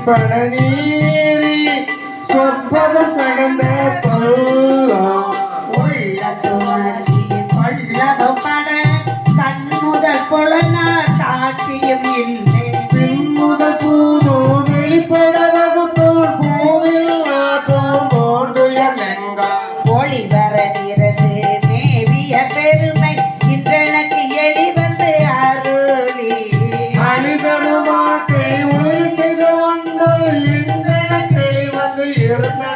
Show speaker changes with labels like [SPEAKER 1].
[SPEAKER 1] பழநீரி சொற்பதம் கடந்த
[SPEAKER 2] கண்முதல் புலனார் காட்சியும் இல்லை
[SPEAKER 1] பின்முதல் பூதோ வெளிப்பட வகுத்தோர் பூவில் நாட்டம் போன்றுயர்ந்தெங்க
[SPEAKER 2] ஒளி வரகிறது மேவிய பெருமை இன்றனக்கு எளி வந்து அருளி
[SPEAKER 1] அணிதனுமாக்கை ஒளி செய்த ஒன்று இன்றன கிளி வந்து இருந்த